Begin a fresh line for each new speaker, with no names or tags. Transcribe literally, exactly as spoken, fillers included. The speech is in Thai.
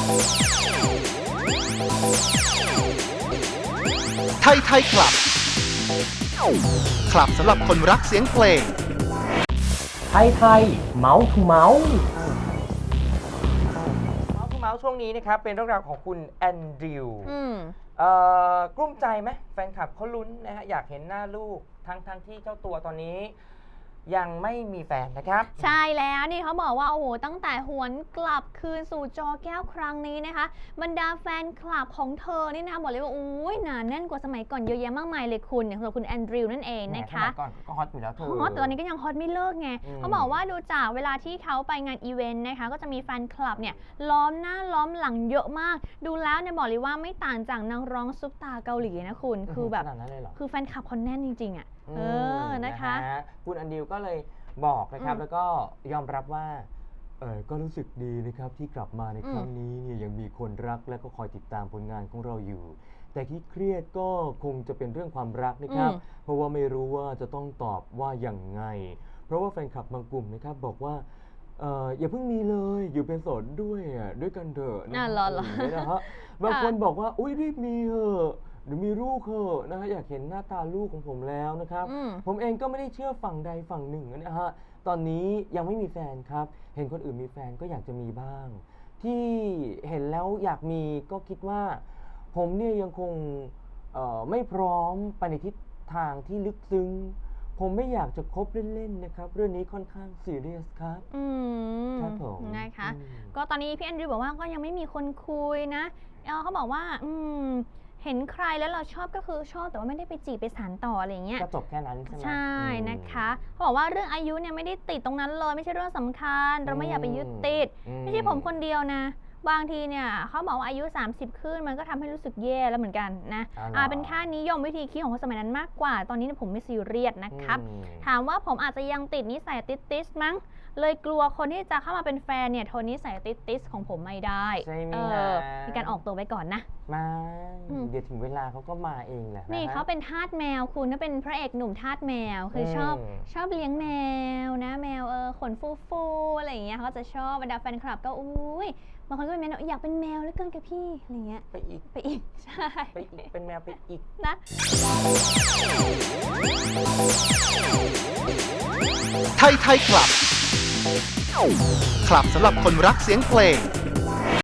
ไทยไทยคลับ คลับสำหรับคนรักเสียงเพลง
ไทยไทยเมาส์ทูเมาส์
เมาส์ทูเมาส์ช่วงนี้นะครับเป็นเรื่องราวของคุณแอนดริวกลุ้มใจไหมแฟนคลับเขาลุ้นนะฮะอยากเห็นหน้าลูกทั้งทั้งที่เจ้าตัวตอนนี้ยังไม่มีแฟนนะครับ
ใช่แล้วนี่เขาบอกว่าโอ้โหตั้งแต่หวนกลับคืนสู่จอแก้วครั้งนี้นะคะบรรดาแฟนคลับของเธอนี่นะบอกเลยว่าโอ้ยหนาแน่นกว่าสมัยก่อนเยอะแยะมากมายเลยคุณอย่างสำหรับคุณแอนดริวนั่นเองนะคะ
สมัยก่อนก็ฮอตอยู่แล้วเธอ
ฮอตแต่ตอนนี้ก็ยังฮอตไม่เลิกไงเขาบอกว่าดูจากเวลาที่เขาไปงานอีเวนต์นะคะก็จะมีแฟนคลับเนี่ยล้อมหน้าล้อมหลังเยอะมากดูแล้วเนี่ยบอกเลยว่าไม่ต่างจากนักร้องซุปตาเกาหลีนะคุณคือแบบคือแฟนคลับคนแน่นจริงๆอ่ะเออนะคะ
คุณแอนดริวก็เลยบอกนะครับแล้วก็ยอมรับว่าเออก็รู้สึกดีนะครับที่กลับมาในครั้งนี้เนี่ยยังมีคนรักและก็คอยติดตามผลงานของเราอยู่แต่ที่เครียดก็คงจะเป็นเรื่องความรักนะครับเพราะว่าไม่รู้ว่าจะต้องตอบว่าอย่างไงเพราะว่าแฟนคลับบางกลุ่มนะครับบอกว่าเอออย่าเพิ่งมีเลยอยู่เป็นโสดด้วยอ่ะด้วยกันเถอะนะฮะบางคนบอกว่าอุ้ยรีบมีเถอะหรือมีลูกเถอะนะฮะอยากเห็นหน้าตาลูกของผมแล้วนะครับผมเองก็ไม่ได้เชื่อฝั่งใดฝั่งหนึ่งนะฮะตอนนี้ยังไม่มีแฟนครับเห็นคนอื่นมีแฟนก็อยากจะมีบ้างที่เห็นแล้วอยากมีก็คิดว่าผมเนี่ยยังคงไม่พร้อมไปในทิศทางที่ลึกซึ้งผมไม่อยากจะคบเล่นๆนะครับเรื่องนี้ค่อนข้างซีเรียสครับ
อืม
ครับผม
นะคะก็ตอนนี้พี่แอนดริวบอกว่าก็ยังไม่มีคนคุยนะเขาบอกว่าอืมเห็นใครแล้วเราชอบก็คือชอบแต่ว่าไม่ได้ไปจีบไปสานต่ออะไรอย่างเงี้ย
ก็จบแค่นั้นใช่ไหม
ใช่นะคะเขาบอกว่าเรื่องอายุเนี่ยไม่ได้ติดตรงนั้นเลยไม่ใช่เรื่องสำคัญเราไม่อยากไปยึดติดไม่ใช่ผมคนเดียวนะบางทีเนี่ยเขาบอกว่าอายุสามสิบขึ้นมันก็ทำให้รู้สึกแย่แล้วเหมือนกันนะอ่าเป็นค่านิยมวิธีคิดของคนสมัยนั้นมากกว่าตอนนี้ผมไม่ซีเรียสนะครับถามว่าผมอาจจะยังติดนิสัยติดๆมั้งเลยกลัวคนที่จะเข้ามาเป็นแฟนเนี่ยโทนนิสัยติดๆของผมไม่ได้
ใช่ไหม
มีการออกตัวไว้ก่อนนะ
มาเดี๋ยวถึงเวลาเขาก็มาเองแหละ
นี่เขาเป็นทาสแมวคุณถ้าเป็นพระเอกหนุ่มทาสแมวคือชอบชอบเลี้ยงแมวนะแมวเออขนฟูๆอะไรอย่างเงี้ยเขาจะชอบบรรดาแฟนคลับก็อุ้ยบางคนก็เป็นแมวอยากเป็นแมวเหลือเกินกับพี่อะไรเงี้ย
ไปอีก
ไปอีกใช่
ไปอีกเป็นแมวไปอีก
นะ
ไทยไทยคลับ คลับสำหรับคนรักเสียงเพลง